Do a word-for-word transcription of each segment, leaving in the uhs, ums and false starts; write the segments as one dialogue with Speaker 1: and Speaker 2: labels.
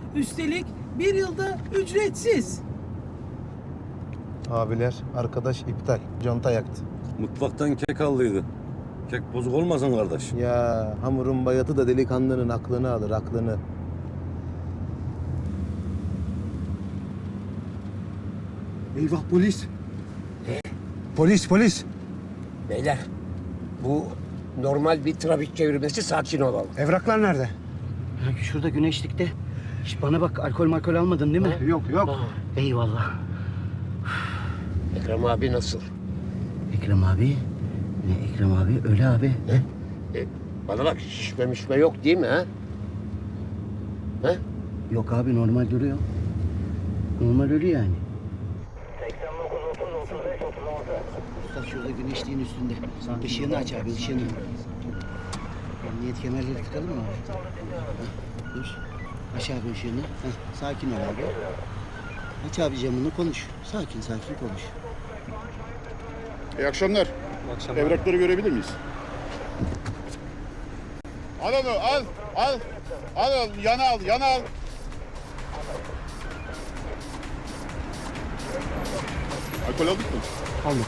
Speaker 1: Üstelik bir yılda ücretsiz.
Speaker 2: Abiler, arkadaş iptal. Conta yaktı.
Speaker 3: Mutfaktan kek aldıydı. Kek bozuk olmasın kardeş.
Speaker 2: Ya hamurun bayatı da delikanlının aklını alır, aklını.
Speaker 4: Eyvah polis. Polis polis.
Speaker 5: Beyler, bu normal bir trafik çevirmesi, sakin olalım.
Speaker 4: Evraklar nerede?
Speaker 6: Şurada güneşlikte. Şş, bana bak, alkol malkol almadın değil mi?
Speaker 4: Yok yok.
Speaker 6: Eyvallah.
Speaker 5: Ekrem abi nasıl?
Speaker 6: Ekrem abi. Ne Ekrem abi? Öyle abi.
Speaker 5: E, bana bak, şişme mişme yok değil mi ha? Ha?
Speaker 6: Yok abi, normal duruyor. Normal ölü yani. Usta şurada güneşliğin üstünde. Işığını aç abi, ışığını. Emniyet kemerleri tıkalım mı abi? Heh, dur. Aç abi ışığını. Heh, sakin ol abi. Aç abi camını, konuş. Sakin sakin konuş.
Speaker 7: İyi akşamlar. Evrakları görebilir miyiz? Al onu, al, al. Al, al, yana al, yana al. Alkol aldık mı?
Speaker 4: Aldık.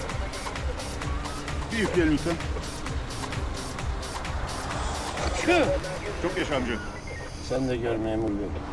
Speaker 7: Bir yükleyelim lütfen. Çok yaşa amca.
Speaker 5: Sen de gör memur bey.